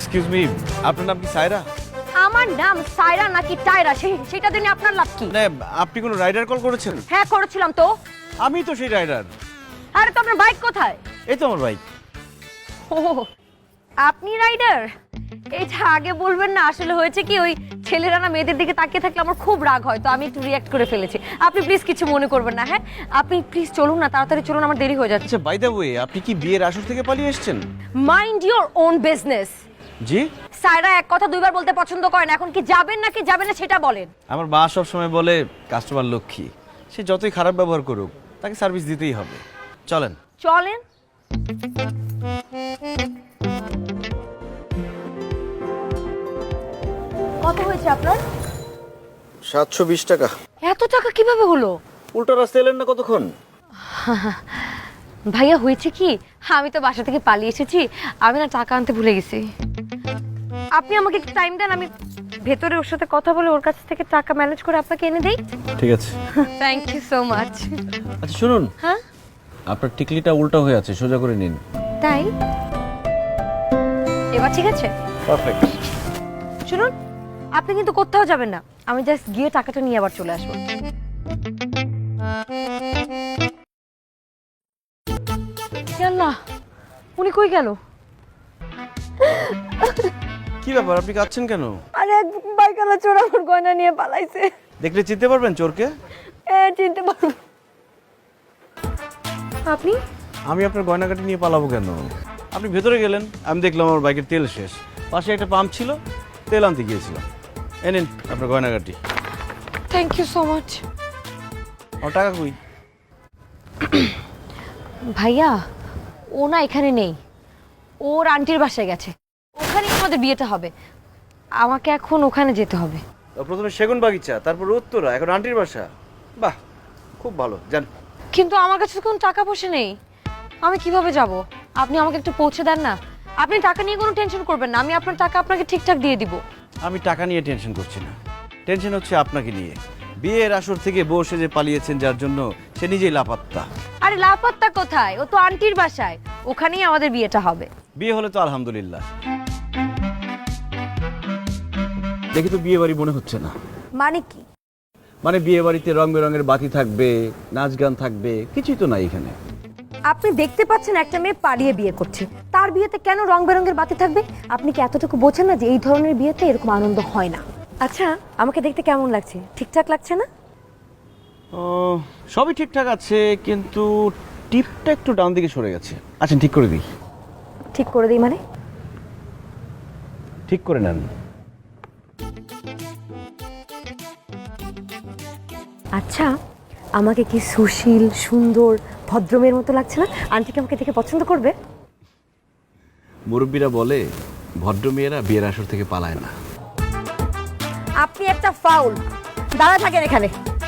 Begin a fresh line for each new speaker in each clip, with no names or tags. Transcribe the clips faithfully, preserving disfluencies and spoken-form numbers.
Excuse me, আপনার নাম কি সায়রা?
আমার নাম সায়রা নাকি টায়রা সেটা জেনে আপনার লাভ কি?
না, আপনি কোনো রাইডার কল করেছেন?
হ্যাঁ করেছিলাম তো।
আমি তো সেই রাইডার।
আরে তো আপনার বাইক কোথায়?
এই তো আমার বাইক।
ও আপনি রাইডার? এটা আগে বলবেন না। আসলে হয়েছে কি, ওই ছেলেরা না মেয়েদের দিকে তাকিয়ে থাকলে আমার খুব রাগ হয়, তো আমি একটু রিঅ্যাক্ট করে ফেলেছি। আপনি প্লিজ কিছু মনে করবেন না। হ্যাঁ আপনি প্লিজ চলুন না, তাড়াতাড়ি চলুন, আমার দেরি হয়ে যাচ্ছে।
আচ্ছা বাই দ্য ওয়ে, আপনি কি বিয়ের আসর থেকে পালিয়ে এসেছেন?
Mind your own business.
জি?
সায়রা এক কথা দুইবার বলতে পছন্দ করেন। এখন কি যাবেন নাকি যাবেন না সেটা বলেন।
আমার মা সব সময় বলে কাস্টমার লক্ষ্মী, সে যতই খারাপ ব্যবহার করুক তাকে সার্ভিস দিতেই হবে। চলেন
চলেন। কত হয়েছে আপনার?
সাতশো বিশ টাকা।
এত টাকা কিভাবে হলো?
উল্টো রাস্তা এলেন না কতক্ষণ?
ভাইয়া হয়েছে কি, আমি তো বাসা থেকে পালিয়ে এসেছি, আমি না টাকা আনতে ভুলে গেছি। আপনি আমাকে একটু টাইম দেন, আমি ভেতরে ওর সাথে কথা বলে ওর কাছ থেকে টাকা ম্যানেজ করে আপনাকে এনে দেই।
ঠিক আছে।
Thank you so much.
আচ্ছা শুনুন,
হ্যাঁ
আপনার টিকলিটা উল্টো হয়ে আছে, সোজা করে নিন।
তাই? এবার ঠিক আছে?
পারফেক্ট।
শুনুন, আপনি কিন্তু কোথাও যাবেন না, আমি জাস্ট গিয়ে টাকাটা নিয়ে আবার চলে আসবো। আল্লাহ, উনি কই গেল?
কি ব্যাপার, আপনি কাঁদছেন কেন?
আরে এক বাইকালা চোর আমার গয়না নিয়ে পালাইছে।
দেখলে চিনতে পারবেন চোরকে?
হ্যাঁ চিনতে পারবো। আপনি?
আমি আপনার গয়নাকাটি নিয়ে পালাবো কেন? আপনি ভেতরে গেলেন, আমি দেখলাম আমার বাইকের তেল শেষ, পাশে একটা পাম্প ছিল, তেল আনতে গিয়েছিলাম। এ নিন আপনার গয়নাকাটি।
Thank you so much.
আমার টাকা কই?
ভাইয়া ও না এখানে নেই, ওর আন্টির বাসায় গেছে, ওখানেই আমাদের বিয়েটা হবে। আমাকে এখন ওখানে যেতে হবে।
প্রথমে সেগুন বাগিচা, তারপর উত্তরা, এখন আন্টির বাসা। বাহ, খুব ভালো। যান।
কিন্তু আমার কাছে তো কোনো টাকা পয়সা নেই, আমি কিভাবে যাব? আপনি আমাকে একটু পৌঁছে দেন না। আপনি টাকা নিয়ে কোনো টেনশন করবেন না, আমি আপনার টাকা আপনাকে ঠিকঠাক দিয়ে দিব।
আমি টাকা নিয়ে টেনশন করছি না, টেনশন হচ্ছে আপনাকে নিয়ে। বিয়ের আসর থেকে বউ সেজে পালিয়েছেন, যার জন্য সে নিজেই লাপাত্তা।
আরে লাপাত্তা কোথায়, ও তো আন্টির বাসায়, ওখানেই আমাদের বিয়েটা হবে।
বিয়ে হলে তো আলহামদুলিল্লাহ। দেখি তো বিয়ে বাড়ি মনে হচ্ছে না।
মানে কি?
মানে বিয়ে বাড়িতে রং বেরঙের বাতি থাকবে, নাচ গান থাকবে, কিছুই তো নাই এখানে।
আপনি দেখতে পাচ্ছেন একটা মেয়ে পালিয়ে বিয়ে করছে, তার বিয়েতে কেন রং বেরঙের বাতি থাকবে? আপনি কি এতটুকু বোঝেন না যে এই ধরনের বিয়েতে এরকম আনন্দ হয় না? আচ্ছা আমাকে দেখতে কেমন লাগছে? ঠিকঠাক লাগছে না?
ও, সবই ঠিকঠাক আছে, কিন্তু টিপটা একটু ডান দিকে সরে গেছে। আচ্ছা ঠিক করে দিই।
ঠিক করে দিই মানে?
ঠিক করে নেন।
আচ্ছা আমাকে কি সুশীল, সুন্দর, ভদ্রমের মতো লাগছে না? আন্টি কি আমাকে দেখে পছন্দ করবে?
মুরব্বীরা বলে ভদ্র মেয়েরা বিয়ের আসর থেকে পালায় না।
আপনি একটা ফাউল। দাঁড়া থাকেন এখানে।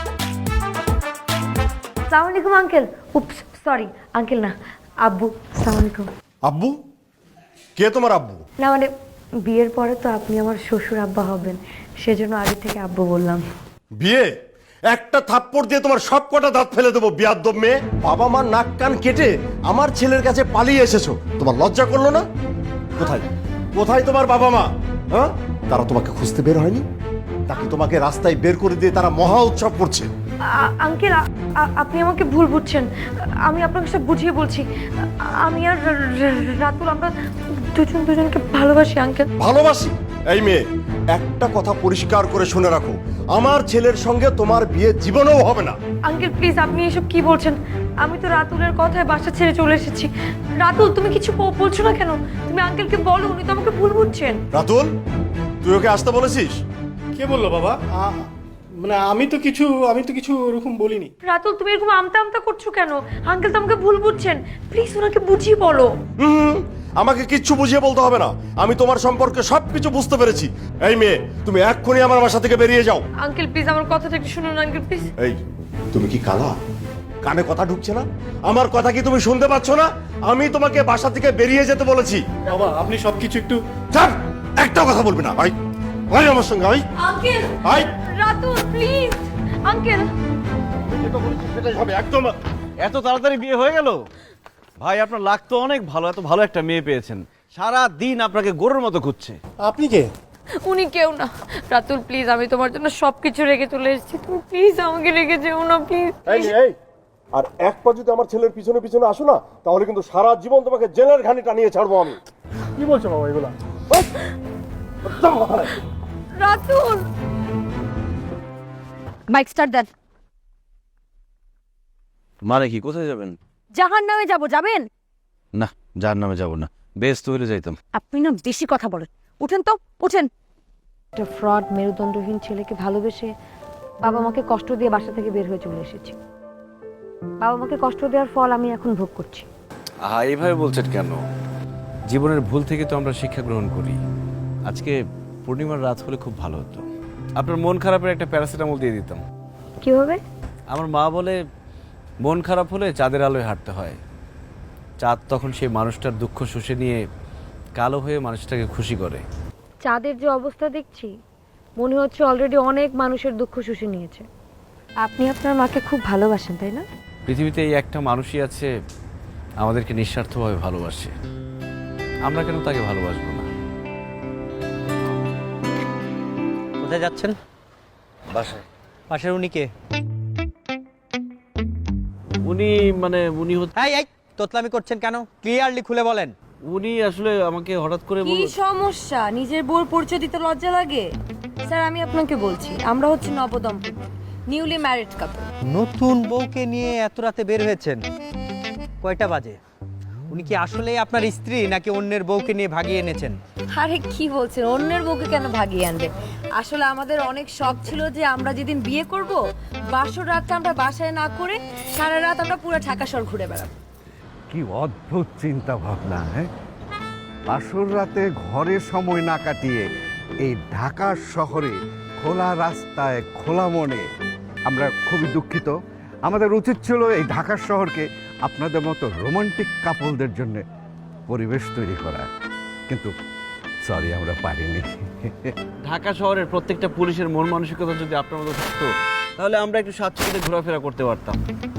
আসসালামু আলাইকুম আঙ্কেল। উপস সরি আঙ্কেল না, আব্বু। আসসালামু আলাইকুম।
আব্বু? কে তোমার আব্বু?
না মানে বিয়ের পরে তো আপনি আমার শ্বশুর আব্বা হবেন, সেজন্য আগে থেকে আব্বু বললাম।
বিয়ে? একটা থাপ্পড় দিয়ে তোমার সব কটা দাঁত ফেলে দেবো বিয়াদ্দব মেয়ে। বাবা মা নাক কান কেটে আমার ছেলের কাছে পালিয়ে এসেছো, তোমার লজ্জা করলো না? কোথায় কোথায় তোমার বাবা মা? হ্যাঁ, তারা তোমাকে খুঁজতে বের হয়নি নাকি তোমাকে রাস্তায় বের করে দিয়ে তারা মহা উৎসব করছে?
আঙ্কেল আপনি আমাকে ভুল বুঝছেন, আমি আপনাকে সব বুঝিয়ে বলছি। আমি আর রাতুল আমরা দুজন দুজনকে ভালোবাসি আঙ্কেল।
ভালোবাসি? এই মেয়ে, একটা কথা পরিষ্কার করে শুনে রাখো, আমার ছেলের সঙ্গে তোমার বিয়ে জীবনেও হবে না।
আঙ্কেল প্লিজ, আপনি এসব কি বলছেন? আমি তো রাতুলের কথায় বাসা ছেড়ে চলে এসেছি। রাতুল তুমি কিছু বলছো না কেন? তুমি আঙ্কেলকে বলো, উনি তো আমাকে ভুল বুঝছেন।
রাতুল, তুই ওকে আসতে বলেছিস?
কে বললো বাবা? আ- মানে আমি তো কিছু আমি তো কিছু এরকম বলিনি।
রাতুল তুমি এরকম আমতা আমতা করছো কেন? আঙ্কেল তো আমাকে ভুল বুঝছেন, প্লিজ ওনাকে বুঝিয়ে বলো।
হুম, আমাকে কিচ্ছু বুঝিয়ে বলতে হবে না, আমি তোমার সম্পর্কে সবকিছু বুঝতে পেরেছি। এই মেয়ে, তুমি এক্ষুনি আমার বাসা থেকে বেরিয়ে যাও।
আঙ্কেল প্লিজ আমার কথাটা একটু শুনুন আঙ্কেল প্লিজ।
এই, তুমি কি কালা? কানে কথা ঢুকছে না? আমার কথা কি তুমি শুনতে পাচ্ছ না? আমি তোমাকে বাসা থেকে বেরিয়ে যেতে বলেছি।
বাবা আপনি সবকিছু একটু
ছাড়, একটা কথা বলবি না ভাই। ভাই আমার সঙ্গে ভাই।
আঙ্কেল
ভাই,
রাতুল প্লিজ আঙ্কেল।
যেটা বলেছি সেটাই হবে একদম।
এত তাড়াতাড়ি বিয়ে হয়ে গেল? ভাই আপনার লাগ তো অনেক ভালো, এত ভালো একটা মেয়ে পেয়েছেন। সারা দিন আপনাকে গরুর মতো খুঁজছে।
আপনি কে?
উনি কেউ না। রাতুল প্লিজ, আমি তোমার জন্য সবকিছু রেখে চলে এসেছি, তুমি প্লিজ আমাকে রেখে যেও না প্লিজ।
এই এই আর এক পা যদি আমার ছেলের পিছনে পিছনে আসো না, তাহলে কিন্তু সারা জীবন তোমাকে জেলের ঘানি টানিয়ে ছাড়বো আমি।
কি বলছো বাবা এগুলা?
রাতুল, বাইক স্টার্ট দেন।
মানে কি, কোথায় যাবেন?
জাহান নামে যাবো, যাবেন?
না, যার নামে যাব না, বেশ তো হলে যাইতাম।
আপনি না বেশি কথা বলেন, উঠেন তো উঠেন। একটা ফ্রড মেরুদণ্ডহীন ছেলেকে ভালোবেসে বাবা মাকে কষ্ট দিয়ে বাসা থেকে বের হয়ে চলে এসেছি। বাবা মাকে কষ্ট দেওয়ার ফল আমি এখন ভোগ করছি।
আহা, এইভাবে বলছেন কেন? জীবনের ভুল থেকে তো আমরা শিক্ষা গ্রহণ করি। আজকে পূর্ণিমার রাত হলে খুব ভালো হতো, আপনার মন খারাপের একটা প্যারাসিটামল দিয়ে দিতাম।
কিভাবে?
আমার মা বলে মন খারাপ হলে চাঁদের আলোয় হাঁটতে হয়। চাঁদ তখন সেই মানুষটার দুঃখ শুষে নিয়ে কালো হয়ে মানুষটাকে খুশি করে।
চাঁদের যে অবস্থা দেখছি, মনে হচ্ছে অলরেডি অনেক মানুষের দুঃখ শুষে নিয়েছে। আপনি আপনার মাকে খুব ভালোবাসেন, তাই না?
পৃথিবীতে এই একটা মানুষই আছে আমাদেরকে নিঃস্বার্থভাবে ভালোবাসে, আমরা কেন তাকে ভালোবাসবো না?
কোথায় যাচ্ছেন?
বাসায়।
পাশের উনি কে?
উনি মানে উনি হচ্ছে,
এই এই তোতলামি করছেন কেন? ক্লিয়ারলি খুলে বলেন।
উনি আসলে আমাকে হঠাৎ করে
কি
বলল।
সমস্যা? নিজের বউর পরিচয় দিতে লজ্জা লাগে? স্যার, আমি আপনাকে বলছি, আমরা হচ্ছে নবদম্পতি, নিউলি ম্যারিড কাপল।
নতুন বউকে নিয়ে এত রাতে বের হয়েছেন, কয়টা বাজে? উনি কি আসলেই আপনার স্ত্রী নাকি অন্যের বউকে নিয়ে ভাগিয়ে এনেছেন?
আরে কি বলছেন, অন্যের বউকে কেন ভাগিয়ে আনবে? আসলে আমাদের অনেক শখ ছিল যে আমরা যেদিন বিয়ে করব, বাসর রাতটা আমরা বাসায় না করে সারা রাত আমরা পুরো ঢাকা শহর ঘুরে বেড়াবো।
কি অদ্ভুত চিন্তা ভাবনা! হ্যাঁ, বাসর রাতে ঘরে সময় না কাটিয়ে এই ঢাকা শহরে খোলা রাস্তায় খোলা মনে। আমরা খুবই দুঃখিত, আমাদের উচিত ছিল এই ঢাকা শহরকে আপনাদের মতো রোমান্টিক কাপলদের জন্য পরিবেশ তৈরি করা, কিন্তু সরি, আমরা পারিনি।
ঢাকা শহরের প্রত্যেকটা পুলিশের মন মানসিকতা যদি আপনার মতো থাকতো, তাহলে আমরা একটু স্বাচ্ছন্দ্যে ঘোরাফেরা করতে পারতাম।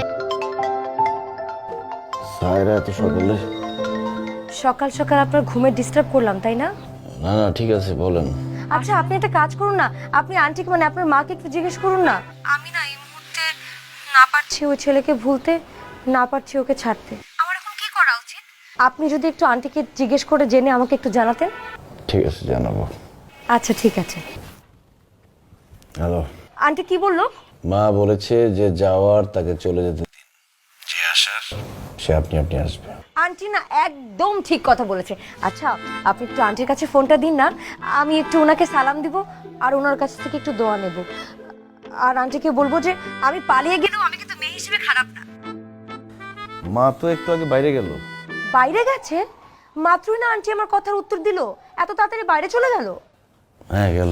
সায়রা এত সকালে?
সকাল সকাল আপনার ঘুমে ডিস্টার্ব করলাম, তাই না?
না না, ঠিক আছে, বলেন।
আচ্ছা, আপনি একটা কাজ করুন না, আপনি আন্টিকে মানে আপনার মাকে একটু জিজ্ঞেস করুন না। আমি না এই মুহূর্তে না পারছি ওই ছেলেকে ভুলতে, না পারছি ওকে ছাড়তে। আমার এখন কি করা উচিত? আপনি যদি একটু আন্টিকে জিজ্ঞেস করে জেনে আমাকে একটু জানাতেন।
ঠিক আছে, জানাবো।
আচ্ছা ঠিক আছে।
হ্যালো।
আন্টি কি বললো?
মা বলেছে যে যাওয়ার তাকে চলে যেতে দিন, যে আসার সে আপনি আপনি আসবে।
আন্টি না একদম ঠিক কথা বলেছে। আচ্ছা, আপনি একটু আন্টির কাছে ফোনটা দিন না, আমি একটু ওনাকে সালাম দিব আর ওনার কাছ থেকে একটু দোয়া নেব। আর আন্টিকে বলবো যে আমি পালিয়ে গেলেও আমি কিন্তু মেয়ে হিসেবে খারাপ না।
মা তো একটু আগে বাইরে গেল।
বাইরে গেছে? মাত্রই না আন্টি আমার কথার উত্তর দিল, এত তাড়াতাড়ি বাইরে চলে গেল?
হ্যাঁ, গেল।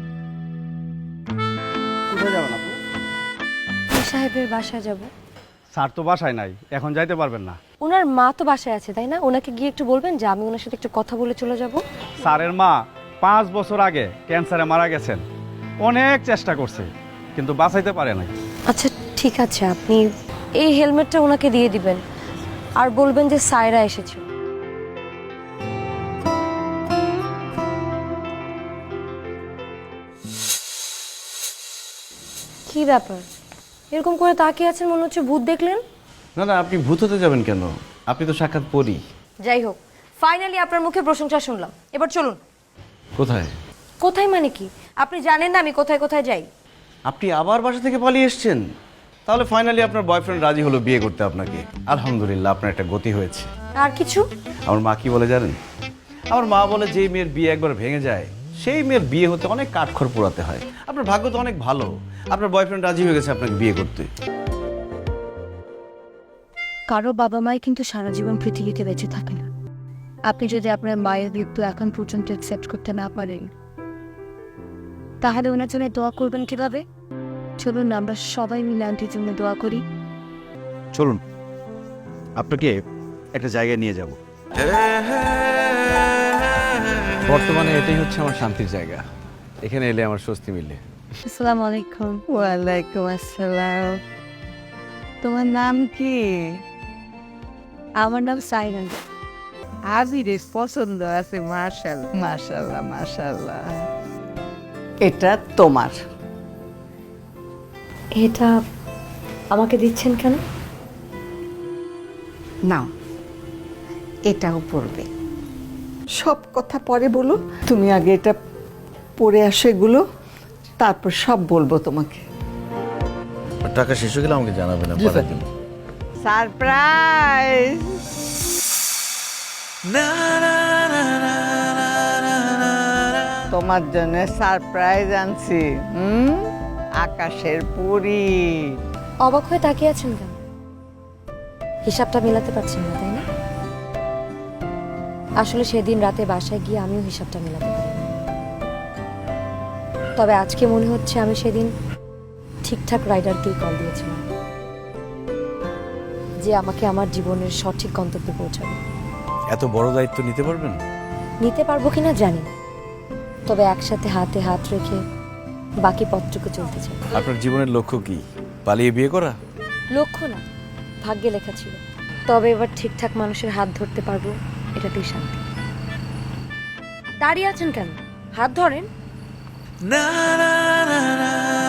কোথায় যাবেন আপু?
সাহেবের বাসায় যাব।
স্যার তো বাসায় নাই, এখন যাইতে পারবেন না।
ওনার মা তো বাসায় আছে, তাই না? ওনাকে গিয়ে একটু বলবেন যে আমি ওনার সাথে একটু কথা বলে চলে যাব।
স্যারের মা পাঁচ বছর আগে ক্যান্সারে মারা গেছেন, অনেক চেষ্টা করছে কিন্তু বাঁচাইতে পারে নাই।
আচ্ছা ঠিক আছে, আপনি এই হেলমেটটা ওনাকে দিয়ে দিবেন আর বলবেন যে সায়রা এসেছে। কি ব্যাপার এরকম করে তাকিয়ে আছেন, মনে হচ্ছে ভূত দেখলেন?
না না, আপনি ভূত হতে যাবেন কেন? আপনি তো সাক্ষাৎ পড়ি।
যাই হোক, ফাইনালি আপনার মুখে প্রশংসা শুনলাম, এবার চলুন।
কোথায়?
কোথায় মানে কি? আপনি জানেন না আমি কোথায় কোথায় যাই?
আপনি আবার বাসা থেকে পালিয়ে এসেছেন? তাহলে ফাইনালি আপনার বয়ফ্রেন্ড রাজি হলো বিয়ে করতে আপনাকে। আলহামদুলিল্লাহ, আপনার একটা গতি হয়েছে।
আর কিছু?
আমার মা কি বলে জানেন? আমার মা বলে যে মেয়ের বিয়ে একবার ভেঙে যায়, সেই মেয়ের বিয়ে হতে অনেক কাঠখড় পোড়াতে হয়। আপনার ভাগ্য তো অনেক ভালো, আপনার বয়ফ্রেন্ড রাজি হয়ে গেছে আপনাকে বিয়ে করতে।
কারো বাবা মাই কিন্তু সারা জীবন পৃথিবীতে বেঁচে থাকে না। আপনি যদি আপনার মায়ের মৃত্যু এখন পর্যন্ত অ্যাকসেপ্ট করতে না পারেন, তাহলে ওনার জন্য দোয়া করবেন কিভাবে? চলুন না আমরা সবাই মিলে আন্টির জন্য দোয়া করি।
চলুন, আপনাকে একটা জায়গায় নিয়ে যাব। বর্তমানে এটাই হচ্ছে আমার শান্তির জায়গা, এখানে এলে আমার স্বস্তি মিলে।
আসসালামু আলাইকুম। ওয়ালাইকুম আসসালাম। তোমার নাম কি? আমার নাম সাইরান।
আজিরের পছন্দ আছে মার্শাল মার্শাল্লাহ মার্শাল্লাহ এটা তোমার
এটা আমাকে দিচ্ছেন কেন?
নাও এটাও পড়বে সব কথা পরে বলো তুমি আগে এটা পড়ে আসো এগুলো তারপর সব বলবো তোমাকে
টাকা শেষ হয়ে গেলে আমাকে জানাবেন না, পাঠিয়ে দিন।
সারপ্রাইজ তোমার জন্য সারপ্রাইজ আনছি হুম আকাশের পরী
অবাক হয়ে তাকিয়ে আছেন কেন? হিসাবটা মেলাতে পারছেন না তাই না? আসলে সেদিন রাতে বাসায় গিয়ে আমিও হিসাবটা মেলাতে পারি। তবে আজকে মনে হচ্ছে আমি সেদিন ঠিকঠাক রাইডারকেই কল দিয়েছিলাম, যে আমাকে আমার জীবনের সঠিক গন্তব্যে পৌঁছাবে।
এত বড় দায়িত্ব নিতে পারবেন?
নিতে পারবো কিনা জানি না, তবে একসাথে হাতে হাত রেখে বাকি পথটুকু চলতে চাই।
আপনার জীবনের লক্ষ্য কি? পালিয়ে বিয়ে করা?
লক্ষ্য না, ভাগ্যে লেখা ছিল। তবে এবার ঠিকঠাক মানুষের হাত ধরতে পারবো, এটাতেই শান্তি। দাঁড়িয়ে আছেন কেন? হাত ধরেন।